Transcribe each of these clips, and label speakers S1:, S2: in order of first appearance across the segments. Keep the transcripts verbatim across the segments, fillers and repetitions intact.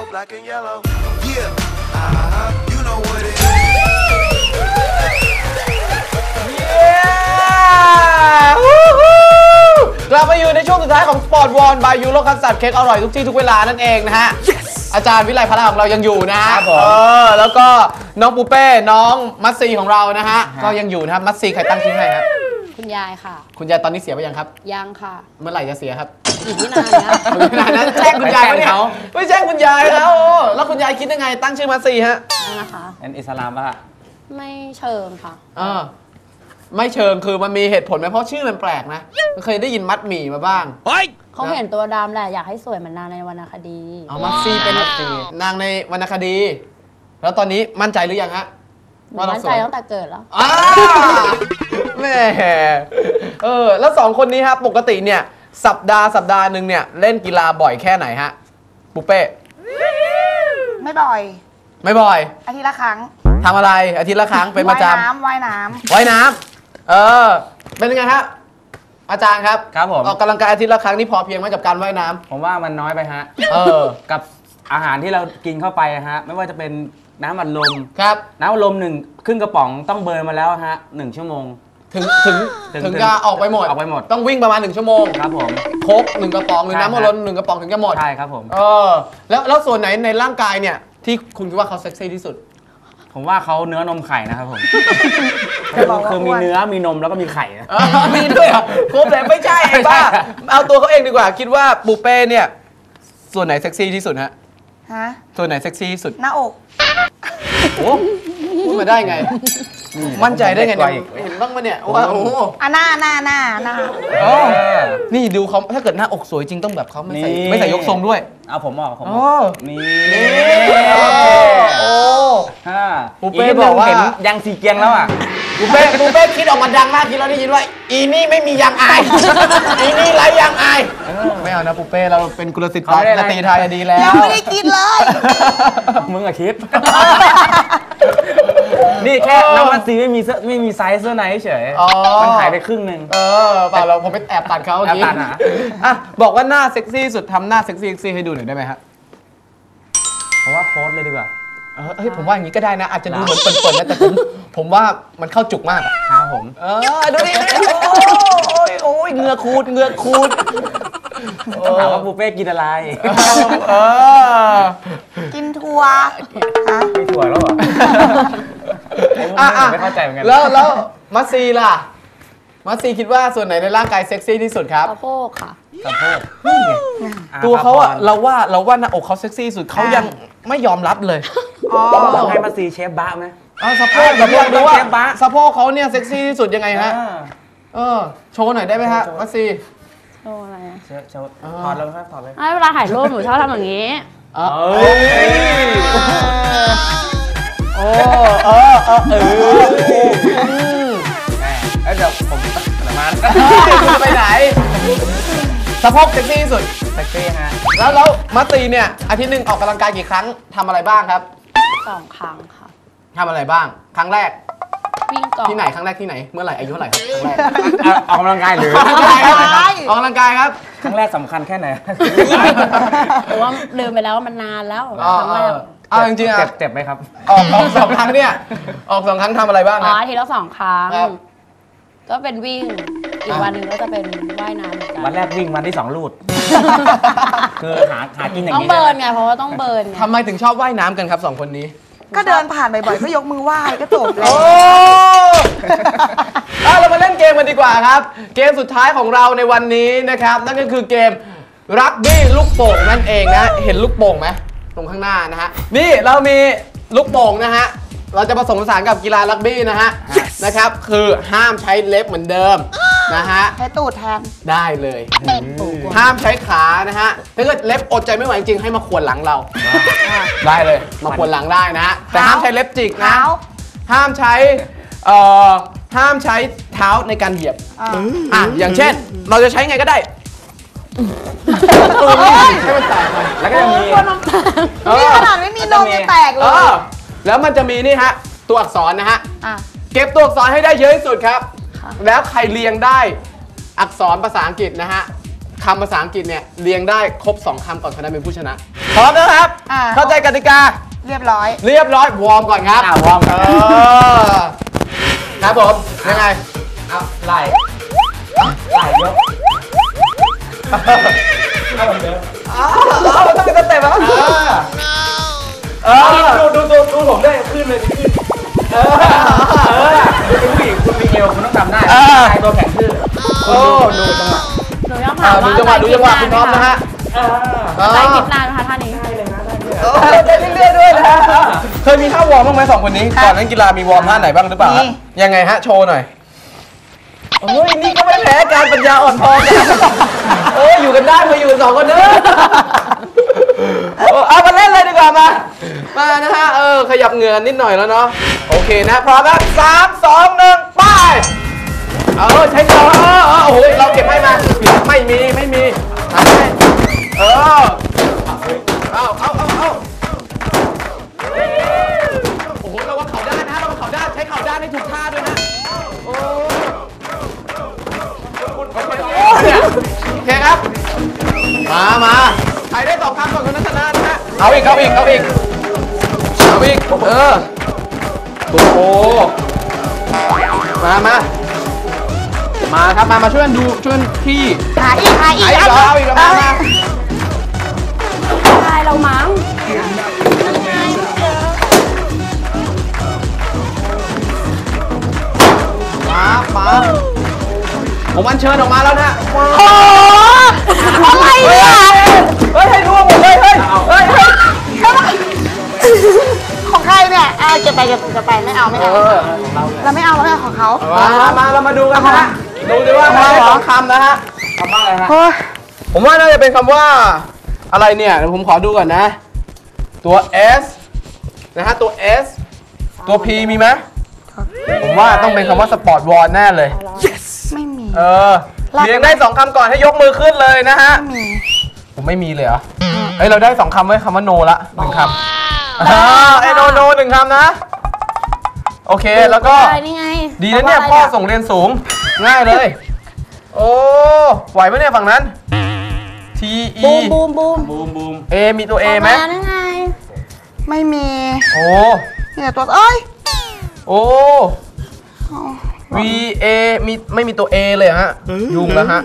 S1: black and yellow. Yeah, uh-huh, you know what it is.
S2: Yeah กลับมาอยู่ในช่วงสุดท้ายของสปอร์ตวอลบายยูโรคัสตาร์ดเค้กอร่อยทุกที่ทุกเวลานั่นเองนะฮะ อาจารย์วิไลพลาของเรายังอยู่นะฮะเออแล้วก็น้องปูเป้น้องมัตซีของเรานะฮะก็ยังอยู่นะครับมัตซีใครตั้งชื่อให้ครับ
S3: คุณยายค่ะ
S2: คุณยายตอนนี้เสียไปยังครับ
S3: ยังค่ะ
S2: เมื่อไหร่จะเสียครับ
S3: อีกไม่นานนะ
S2: ไม่นานนะแจ้งคุณยายไม่เขาไม่แจ้งคุณยายแล้วแล้วคุณยายคิดยังไงตั้งชื่อมัตซีฮะ
S3: นะคะ
S4: เป็นอิสลามป่ะ
S3: ไม่เชิงค่ะ
S2: เออไม่เชิงคือมันมีเหตุผลไหมเพราะชื่อมันแปลกนะเคยได้ยินมัดหมี่มาบ้าง
S3: เขาเห็นตัวดำแหละอยากให้สวยเหมือนนางในวรรณคดี
S2: อ๋อมัตซีเป็นนางในวรรณคดีแล้วตอนนี้มั่นใจหรือยังฮะ
S3: มั่นใจตั้งแต่เกิดแล้ว
S2: แม่เออแล้วสองคนนี้ครับปกติเนี่ยสัปดาห์สัปดาห์หนึ่งเนี่ยเล่นกีฬาบ่อยแค่ไหนฮะปุ๊เป้
S5: ไม่บ่อย
S2: ไม่บ่อย
S5: อาทิตย์ละครั้ง
S2: ทำอะไรอาทิตย์ละครั้งเป็นประจำ
S5: ว่ายน้ำว่ายน้
S2: ำว่ายน้ำเออเป็นยังไงฮะอาจารย์ครับ
S4: ครับผม
S2: ออกกำลังกายอาทิตย์ละครั้งนี่พอเพียงไหมกับการว่ายน้ำ
S4: ผมว่ามันน้อยไปฮะเออกับอาหารที่เรากินเข้าไปฮะไม่ว่าจะเป็นน้ำอัดลม
S2: ครับ
S4: น้ำอัดลมหนึ่งครึ่งกระป๋องต้องเบิร์นมาแล้วฮะหนึ่งชั่วโมง
S2: ถึงถึงถึงจะออกไปหมด
S4: ออกไปหมด
S2: ต้องวิ่งประมาณหนึ่งชั่วโมง
S4: ครับผม
S2: โค้กหนึ่งกระป๋องหรือน้ำอัดลมหนึ่งกระป๋องถึงจะหมด
S4: ใช่ครับผม
S2: เออแล้วแล้วส่วนไหนในร่างกายเนี่ยที่คุณคิดว่าเขาเซ็กซี่ที่สุด
S4: ผมว่าเขาเนื้อนมไข่นะครับผมคือมีเนื้อมีนมแล้วก็มีไข่
S2: มีด้วยอ่ะครบเลยไม่ใช่ป้าเอาตัวเขาเองดีกว่าคิดว่าปูเป้เนี่ยส่วนไหนเซ็กซี่ที่สุดฮะ
S5: ฮะ
S2: ส่วนไหนเซ็กซี่ที่สุด
S5: หน้าอก
S2: โอ้พูดมาได้ไงมั่นใจได้ไงเนี่ยเห็นบ้างมั้ยเนี่ยว่าโอ้
S5: อ่ะหน้าหน้าหน้าหน้า
S2: นี่ดูเขาถ้าเกิดหน้าอกสวยจริงต้องแบบเขาไม่ใส่ไม่ใส่ยกทรงด้วย
S4: เอาผมบอกผม
S2: นี่
S4: โอ้
S2: ปูเป้บอกว่า
S4: ยังสีเกียงแล้วอ่ะ
S2: ปูเป้ปูเป้คิดออกมาดังมากคิดแล้วได้ยินว่าอีนี่ไม่มียางอายอีนี่ไร้ยางอายไม่เอานะปูเป้เราเป็นกุลศิษย์นาตีไทยดีแล้ว
S5: ยังไม่ได้คิดเลย
S4: มึงอะคิดนี่แค่น้ำมันซีไม่มีไม่มีไซส์เสื้อในเฉยมันหายไปครึ่งนึง
S2: เออเปล่าเราผมไปแอบตัดเขาเมื่อกี้อ่ะบอกว่าหน้าเซ็กซี่สุดทำหน้าเซ็กซี่เซ็กซี่ให้ดูหน่อยได้ไหมฮะ
S4: ผมว่าโพสเลยดีกว่า
S2: เฮ้ยผมว่าอย่างนี้ก็ได้นะอาจจะดูเหมือนเปิดๆนะแต่ผมผมว่ามันเข้าจุกมาก
S4: ครับผม
S2: เออดูดิโอ้ยโอ้ยเหงือคูดเหงือคูด
S4: ถามว่าปูเป้กินอะไร
S2: เออ
S5: กินถั่ว
S4: ฮะกินถั่วแล้วเหรอไม่เข้าใจเหมือนกัน
S2: แล้วแล้วมัสซีล่ะมัสซีคิดว่าส่วนไหนในร่างกายเซ็กซี่ที่สุดครับ
S3: สะโพกค่ะ
S4: สะโพก
S2: ตัวเขาอะเราว่าเราว่าหน้าอกเขาเซ็กซี่สุดเขายังไม่ยอมรับเลย
S4: ลองให้มัสซีเชฟบ้าไหม
S2: สะโพกแบบดูว่าสะโพกเขาเนี่ยเซ็กซี่ที่สุดยังไงฮะเออโชว์หน่อยได้ไหมฮะมัสซี
S3: โชว์อะไร
S4: โชว์ถอดแล้วครับถอดเลย
S3: เวลาถ่ายรูปหนูชอบทำอย่างนี้
S2: เอ้ยโอ้เออเออเออ
S4: เดี๋ยวผมมา
S2: ไปไหนสะโพกเซ็กซี่ที่สุด
S4: เซ็กซี่ฮะ
S2: แล้วแล้วมัตตีเนี่ยอาทิตย์หนึ่งออกกำลังกายกี่ครั้งทำอะไรบ้างครับ
S3: สองครั้งค่ะ
S2: ทำอะไรบ้างครั้งแรก
S3: วิ่งก่อน
S2: ที่ไหนครั้งแรกที่ไหนเมื่อไหร่อายุเท่าไหร่ครั้งแรก
S4: ออกกำลังกายหรือ
S2: ออกกำลังกายครับออกกำลังกายครับ
S4: ครั้งแรกสำคัญแค่ไหน
S3: เพราะว่าลืมไปแล้วมันนานแล้วครั้งแรก
S2: เอาจริงๆอ่ะ
S4: เจ็บไหมครับ
S2: ออกสองครั้งเนี่ยออกสองครั้งทำอะไรบ้าง
S3: อ๋อทีละสองครั้งก็เป็นวิ่งอีกวันหนึ่งก็จะเป็นว่ายน้ำเหมือนกัน
S4: วันแรกวิ่งวันที่สองลูดคือหาหากินอย่าง
S3: นี้ต้องเบิร์นไงเพราะว่าต้องเบิร์นไง
S2: ทำไมถึงชอบว่ายน้ำกันครับสองคนนี้
S5: ก็เดินผ่านบ่อยๆก็ยกมือไหว้ก็จบเลย
S2: โอ้เรามาเล่นเกมกันดีกว่าครับเกมสุดท้ายของเราในวันนี้นะครับนั่นก็คือเกมรักบี้ลูกโป่งนั่นเองนะเห็นลูกโป่งไหมตรงข้างหน้านะฮะนี่เรามีลูกโป่งนะฮะเราจะผสมผสานกับกีฬารักบี้นะฮะนะครับคือห้ามใช้เล็บเหมือนเดิมนะฮะ
S5: ใช้ตูดแทน
S2: ได้เลยห้ามใช้ขานะฮะถ้าเกิดเล็บอดใจไม่ไหวจริงให้มาขวนหลังเราได้เลยมาขวนหลังได้นะฮะแต่ห้ามใช้เล็บจิกนะห้ามใช้เอ่อห้ามใช้เท้าในการเหยียบอ่ะอย่างเช่นเราจะใช้ไงก็ได้ให้มันแตกไปแล้วก็จะมี
S5: นี่ขนาดไม่มีนมจะแตกเลย
S2: แล้วมันจะมีนี่ฮะตัวอักษรนะฮะเก็บตัวอักษรให้ได้เยอะที่สุดครับแล้วใครเรียงได้อักษรภาษาอังกฤษนะฮะคำภาษาอังกฤษเนี่ยเรียงได้ครบสองคำก่อนคนนั้นเป็นผู้ชนะพร้อมนะครับ
S5: อ่า
S2: เข้าใจกติกา
S5: เรียบร้อย
S2: เรียบร้อยวอร์มก่อนครับ
S4: อ่ะวอร์ม
S2: เออครับผมยังไง
S4: เอาไหล่ไหล่ยกเอาเหมือนเดิม
S2: อ้าวเอาต้องเป็นสเต็ปแล้วเออ
S4: ดูดูดูดูผมด้วยขึ้นเลยขึ้นเออเออคุณผู้หญิงคุณมีเอวคุณต้องทำได้ชายตัวแข็งขึ้น
S2: โอ้
S4: ดูจังหวะ
S3: หนูยัง
S2: อ่า
S3: ถาม
S2: ดู
S3: ว่า
S2: จังหวะดูจังหวะคุณพร้อมนะฮะ
S4: เออ
S2: เออ
S3: ใช้คลิปนานไหมคะท่านี้
S2: เออเต้นเรื่อยๆด้วยนะเคยมีท่าวอร์มบ้างไหมสองคนนี้
S5: ครับ
S2: ก่อนเล่นกีฬามีวอร์มท่าไหนบ้างหรือเปล่า
S5: มี
S2: ยังไงฮะโชว์หน่อยโอ้ยนี่ก็ไม่แพ้การปัญญาอ่อนพอกันโอ้ยอยู่กันได้มาอยู่กันสองคนเนอะโอ้เอามาเล่นเลยดีกว่ามา มานะฮะเออขยับเหงื่อนิดหน่อยแล้วเนาะโอเคนะพร้อมแล้วสามสองหนึ่งไปเออใช้จอเออเออโอ้โหเราเก็บให้มาไม่มีไม่มีทำให้เออเอาเอาเอาเอาโอ้โหเราว่าเข่าด้านนะเราว่าเข่าด้านใช้เข่าด้านให้ถูกท่าด้วยนะโอ้โอเคครับ มามาใครได้ตอบคำก่อนคนนั้นชนะนะฮะเอาอีกเอาอีกเอาอีกเอาอีกเออโอ้โหมามามาครับมามาช่วยกันดูช่วยกันพี่
S5: หาอีกหาอีก
S2: เอาอีกเหรอเอาอีกเหรอมามา
S3: ใช่เรามั้ง
S2: มามาผมอัญเชิญออกมาแล้วนะมา
S5: โอ้อะไรเนี่ย
S2: เฮ้ยให้ดูหมดเลยเฮ้ยเฮ้ยเฮ้ย
S5: ของใครเนี่ยอ่าเก็บไปเก็บไปเก็บไปไม่เอาไม่
S2: เอ
S5: เอา
S2: อ
S5: เราไม่เอาเราไม่เอาของเขา
S2: มามาเรามาดูกันนะฮะดูดิว่าใครได้สองคำนะฮะ
S4: ทำบ้างอะไรฮะ
S5: โอ้ย
S2: ผมว่าน่าจะเป็นคำว่าอะไรเนี่ยเดี๋ยวผมขอดูก่อนนะ ตัว S นะฮะตัว S ตัว P มีไหมผมว่าต้องเป็นคำว่าสปอร์ตวอลแน่เลย
S5: ไม่มี
S2: เออเรียงได้สองคำก่อนให้ยกมือขึ้นเลยนะฮะ
S5: ไม่มี
S2: ผมไม่มีเลยเหรอเฮ้ยเราได้สองคำไว้คำว่าโนละหนึ่งคำอ่าไอโนโนหนึ่งคำนะ โอเคแล้วก็
S3: ใช่นี่ไง
S2: ดีนะเนี่ยพ่อส่งเรียนสูงง่ายเลย โอ้ไหวไหมเนี่ยฝั่งนั้น T E
S3: บูมบูมบูม
S4: บูมบูม
S2: A มีตัว A ไหม
S3: มานั่นไง
S5: ไม่มี
S2: โอ้
S5: มีแต่ตัวเอ้ย
S2: โอ้ V A มีไม่มีตัว A เลยเหรอฮะยุ่งแล้วฮะ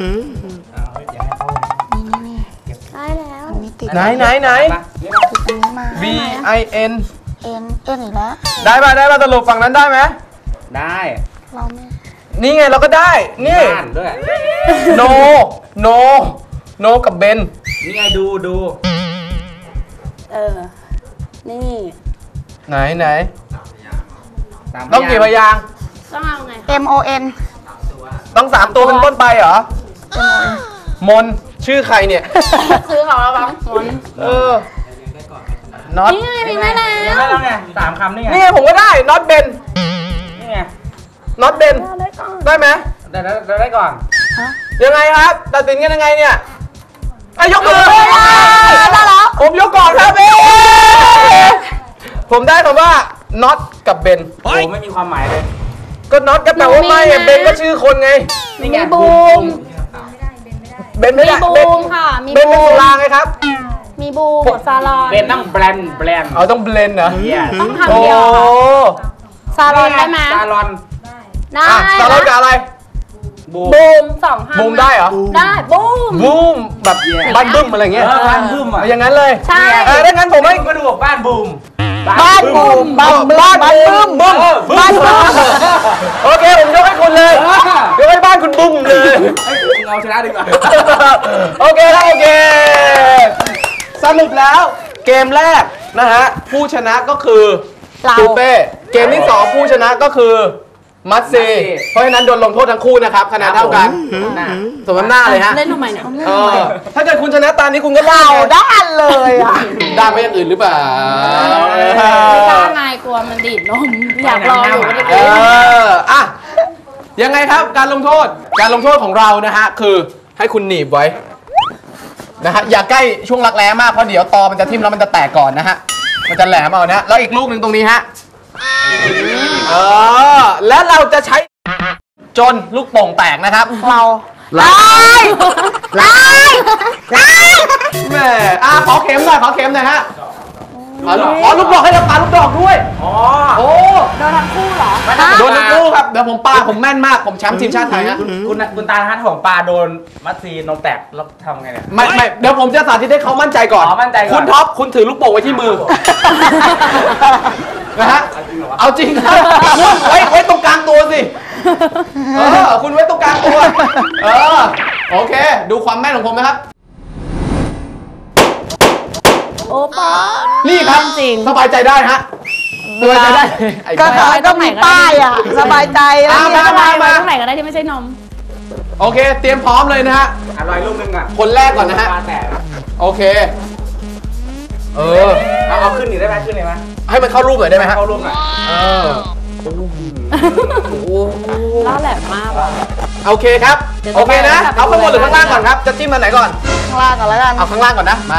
S3: ได้แล้ว
S5: มันมีติด
S2: ไหนไหนไหน
S5: ติดอันนี้มา
S2: V I N
S5: เอ็นเอ็นอีกแล้ว
S2: ได้ป่ะได้ป่ะสรุปฝั่งนั้นได้ไหม
S4: ได้
S5: เราไม่
S2: นี่ไงเราก็ได้นี่
S4: บ้านด้วย
S2: No No No กับเบน
S4: นี่ไงดูดู
S3: เออ นี่
S2: ไหนไหน
S4: สาม
S2: ต้องกี่พยางค์
S3: ต้องเอาไง
S5: เอ็มโอเอ็น
S2: ต้องสามตัวเป็นต้นไปเหรอ มนชื่อใครเนี่ย
S3: ซื้อของเราบ้างหมน
S2: เออ น็อต
S3: นี่ไงมีแม่แล้
S4: ยัง
S3: ว
S4: ไม่แล้วไงสามคำนี่ไง
S2: นี่ไงผมก็ได้ น็อตเบน
S4: นี่ไง
S2: น็อตเบน
S3: ได้ก่อน
S2: ได้ไหม
S4: ได้ได้ได้ได้ก่อน
S2: ยังไงครับ ตัดสินกันยังไงเนี่ยอ่ะยกมือ
S5: ได้แล้ว
S2: ผมยกก่อนครับเอ้ผมได้คำว่า น็อตกับเบน
S4: โอ้ไม่มีความหมายเลย
S2: ก็น็อตก็แปลว่าไม่อ่ะเบนก็ชื่อคนไง
S4: นี่ไง
S3: มีบูม
S2: เบนไม่
S3: มี
S2: ได้
S3: บู
S2: เบน
S3: มค่ะ มี
S2: เบนเป็น
S3: บู
S2: สุ
S3: ม
S2: ราไงครับ
S3: มีบูมซาลอน
S4: เป็นต้องแบรนด์แบรนด์
S2: เอาต้องเบลนด์เหรอ
S4: เยี่ย
S3: ต้อง
S2: โอ้
S3: ทำเดียวค่ะซาลอนได้ไหม
S4: ซาลอน
S3: ได้
S2: อ่ะซาลอนกับอะไร
S4: บูม
S3: บูมสองคำ
S2: บูมได้เหรอ
S3: ได้บูม
S2: บูมแบบบ้านบึ้มอะไรเงี้ย
S4: เออบ้านบึ้มอ่ะ
S2: เอาอย่างนั้นเลย
S3: ใช่
S2: เออถ้างั้นผมให้
S4: ก็ดูบอกบ้านบูม
S5: บ้านบูมบ้านบูม
S2: บ้าน
S5: บ้าน
S2: บึ้
S5: บู
S2: ม
S5: ม
S2: บึ้ม
S4: เออบึ้ม
S2: บ้านบึ้มโอเคผมยกให้คุณเลยยกให้บ้านคุณบึ้มเลย
S4: เฮ้ยมึงเอาชนะดีกว่า
S2: โอเคครับโอเค สรุปแล้วเกมแรกนะฮะผู้ชนะก็คือ
S5: เรา
S2: ตูเป้เกมที่สองผู้ชนะก็คือมัตซีเพราะฉะนั้นโดนลงโทษทั้งคู่นะครับคะแนนเท่ากันสมน้ำหน้าเลยฮะ
S3: เล่นทำไมเนี่ย
S2: เออถ้าเกิดคุณชนะตามนี้คุณก็ได้
S5: เราด้านเลยอ่ะ
S2: ได้ไปอย่างอื่นหรือเปล่า
S3: ไม่กล้าไงกลัวมันดีดนมอยากลองอยู่ไม่ได้
S2: เอ
S3: กิน
S2: ออ่ะยังไงครับการลงโทษการลงโทษของเรานะฮะคือให้คุณหนีบไว้นะฮะอย่าใกล้ช่วงรักแร้มากเพราะเดี๋ยวตอมันจะทิ่มแล้วมันจะแตกก่อนนะฮะมันจะแหลมเอานะแล้วอีกลูกหนึ่งตรงนี้ฮะเออแล้วเราจะใช้จนลูกโป่งแตกนะครับ
S5: เรา
S2: ไล่ไล่ไล่แม่อ่ะขอเข็มหน่อยขอเข็มหน่อยฮะอ๋ออ๋อลูกดอกให้เราปาลูกดอกด้วย
S4: อ๋อ
S2: โอ้
S3: โดนทั้งคู่เหรอ
S2: โดนทั้งคู่ครับเดี๋ยวผมปาผมแม่นมากผมแชมป์ทีมชาติไทยฮะ
S4: คุณคุณคุณตาฮัทของปลาโดนมัดซีนมแตกแล้วทำไงเนี่ย
S2: ไม่ไม่เดี๋ยวผมจะสาธิตให้เขามั่นใจก่อน
S4: อ๋อมั่นใจก่อน
S2: คุณท็อปคุณถือลูกโป่งไว้ที่มือนะฮะเอาจริงนะคุณไว้ไว้ตรงกลางตัวสิเออคุณไว้ตรงกลางตัวเออโอเค ดูความแม่นของผมนะครับ
S3: โอ้ป๊า
S2: นี่ครับ
S3: จริง
S2: สบายใจได้ฮะสบายใจได้ไอ้
S5: ก็
S2: บ้า
S5: ก็มีป้ายอ่ะ สบายใจแล้ว
S2: อ่ะ
S5: เนี่ย
S2: มา
S3: มาตรงไหนก็ได้ที่ไม่ใช่นม
S2: โอเค เตรียมพร้อมเลยนะฮะ
S4: อร่อยลูกนึงอ่ะ
S2: คนแรกก่อนนะฮะ
S4: ปลาแตก
S2: โอเค เออ
S4: เอาเอาขึ้นหนิได้ไหมขึ้นเลยไหม
S2: ให้มันเข้ารูปหน่อยได้ไหมฮะ
S4: เข้ารูปหน่อย
S2: เออโอ้โห
S3: ล่าแหลมมากว่ะ
S2: โอเคครับ
S3: เดี๋ยว
S2: โอเคนะ
S3: จะไป
S2: เอาข้างบนหรือข้างล่างก่อนครับ จะจิ้มมาไหนก่อน
S5: ข้างล่างก่อนแล้วกัน
S2: เอาข้างล่างก่อนนะ มา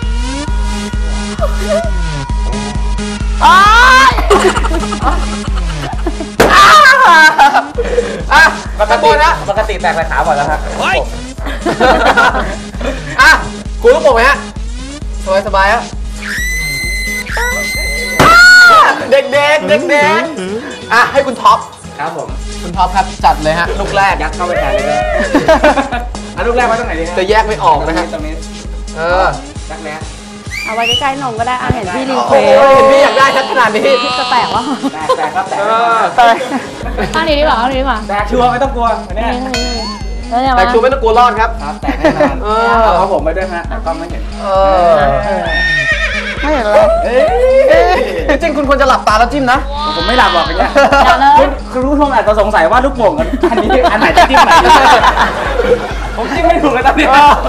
S5: อ๋อ
S2: อ่ะ
S4: ปก
S2: ข้างบ
S4: ติ
S2: นนะ
S4: ปกติแตกแต่ขาบ่อยแล้วครับ
S2: อ่ะคุณลูกโป่งไหมฮะ สบายสบายฮะเด็กเด็กเด็กเด็กๆอ่ะให้คุณท็อป
S4: ครับผม
S2: คุณท็อปครับจัดเลยฮะ ลูกแรก
S4: ยัดเข้าไปแทนเลยด้วยอ่ะลูกแรกไว้ตรงไหนดีฮะ
S2: จะแยกไม่ออกนะฮะ
S4: ตรงนี้
S2: เออ
S4: ยักแร้
S3: เอาไว้ใกล้ๆนมก็ได้อ่ะเห็นพี่รีเค
S2: โอ้
S3: ว
S2: โหเห็นพี่อยากได้ชัดขนาดนี้
S3: พี่จะแตกวะ
S4: แตกแตกครับแตก
S2: เออ
S5: ไป
S3: อันนี้ดีกว่าอันนี้ดีกว่า
S4: แตกชัวร์ไม่ต้องกลัวอันเนี้ย
S3: อันนี้อันนี้แล้วเนี่ย
S2: แต่
S3: มา
S2: ชูไม่ต้องกลัวรอดครับ
S4: ครับแตกแน่นอน
S2: เออ
S4: เอาเอาผมไปด้วยฮะแต่กล้องไม่เห็น
S2: เออ
S5: ไม่เห็นเลย
S2: เอ้ยจริงๆคุณควรจะหลับตาแล้วจิ้มนะ
S4: ผมไม่หลับหรอกอย่างเงี้ย
S3: อย่าเลย
S4: คุณคุณผู้ชมอาจจะสงสัยว่าลูกโป่งอันนี้อันไหนจะจิ้มไหนดีผมจิ้มไม่ถูกเลยตอนนี้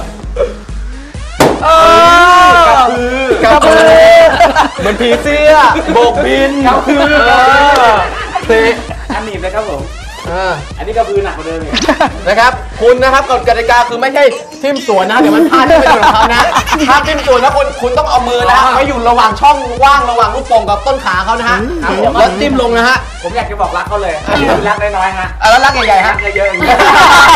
S2: เออกระพือกระพือเหมือนผีเสื้อโบกบิน
S4: กระพือ
S2: เออเตะ
S4: อันหนีบเลยครับผม
S2: เออ
S4: อันนี้กระพือหนักกว่าเดิมอีก
S2: นะครับ คุณนะครับกฎกติกาคือไม่ใช่ทิ่มสวนนะเดี๋ยวมันพลาดที่ไปโดนเขานะถ้าทิ่มสวนนะคุณคุณต้องเอามือนะไว้อยู่ระหว่างช่องว่างระหว่างลูกโป่งกับต้นขาเขานะฮะแล้วจิ้มลงนะฮะ
S4: ผมอยากจะบอกรักเขาเลยรักน้อยๆฮะ
S2: อ่ะแล้วรักใหญ่ๆ
S4: รั
S2: ฮะ
S4: กเยอะๆอย่างเงี้ย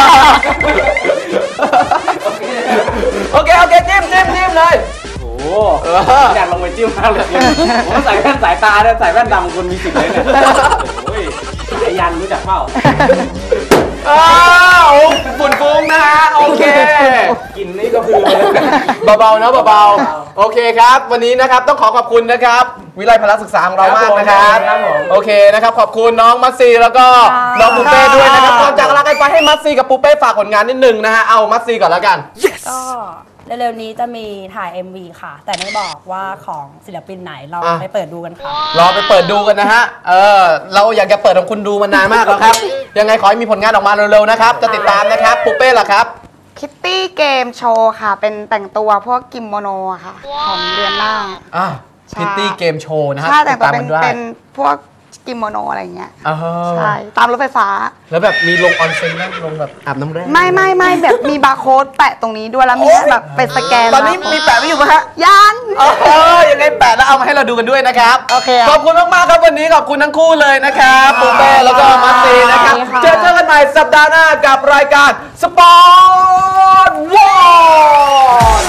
S2: โอเคโอเคจิ้มจิ้มจิ้มเลย
S4: โอ้โหอยากลงไปจิ้มมากเลยผมใส่แว่นสายตาเนี่ยใส่แว่นดำคุณมีสิทธิ์เลยเนี่ยโอ้ยสายยันรู้จักเปล่า
S2: อ้าวฝุ่นฟุ้งนะฮะโอเค
S4: กินนี่ก็คือเลย
S2: เบาๆนะเบาๆโอเคครับ วันนี้นะครับต้องขอขอบคุณนะครับ วิไลพละศึกษาของเรามากนะครับโอเคนะครับขอบคุณน้องมัสซีแล้วก็น้องปูเป้ด้วยนะครับก่อนจากลากันไปให้มัสซีกับปูเป้ฝากผลงานนิดนึงนะฮะเอามัสซีก่อนแล้วกัน
S3: ก็เร็วๆนี้จะมีถ่าย เอ็ม วี ค่ะ แต่ไม่บอกว่าของศิลปินไหนเรา
S2: อ่ะ
S3: ไปเปิดดูกันค่ะ
S2: รอไปเปิดดูกันนะฮะเออเราอยากจะเปิดของคุณดูมานานมากแล้วครับยังไงขอให้มีผลงานออกมาเร็วๆนะครับจะติดตามนะครับปูเป้ล่ะครับ
S5: คิตตี้เกมโชว์ค่ะ เป็นแต่งตัวพวกกิมโมโนอะค่ะ ของเดือนหน้า
S2: อ่ะ
S5: ใช่
S2: พิตตี้เกมโชว์นะฮะ
S5: ใช่แต่งตัว
S2: ตาม
S5: เป็
S2: มัน นด้วย
S5: เป็นพวกกิโมโนอะไรอย่างเงี้ย
S2: อ๋อ
S5: ใช่ ตามรถไฟฟ้า
S2: แล้วแบบมีลงออนเซ็นไหมลงแบบอาบน้ำแร่
S5: ไม่ไม่ไม่แบบมีบาร์โค้ดแปะตรงนี้ด้วยแล้วมีแบบเป็นสแกน
S2: ตอนนี้มีแปะไว้อยู่ไหมฮะ
S5: ยัง
S2: เออยังไงแปะแล้วเอามาให้เราดูกันด้วยนะครับ
S5: โอเค
S2: ขอบคุณมากๆครับวันนี้ขอบคุณทั้งคู่เลยนะครับปูเป้แล้วก็มัสซีนะครับ
S5: ค่ะ
S2: เจอเจอกันใหม่สัปดาห์หน้ากับรายการสปอร์ตวอร์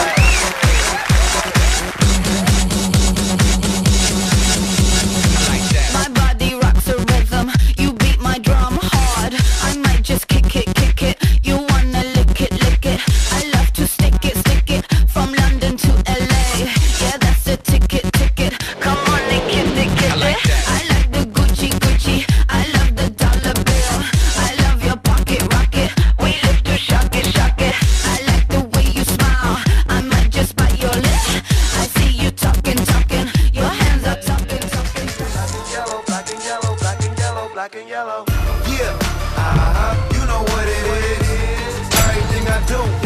S6: My body rocks a rhythm. You beat my drum hard. I might just kick it, kick it. You wanna lick it, lick it. I love to stick it, stick it. From London to L A. Yeah, that's a ticket, ticket. Come on and kiss it, kiss it. I like the Gucci, Gucci. I love the dollar bill. I love your pocket rocket. We live to shock it, shock it. I like the way you smile. I might just bite your lip. I see you talking, talking. Your hands are talking, talking.
S1: Yellow, black and yellow, black and yellow, black and yellow. Yeah, uh-huh, you know what it is. Everything I do.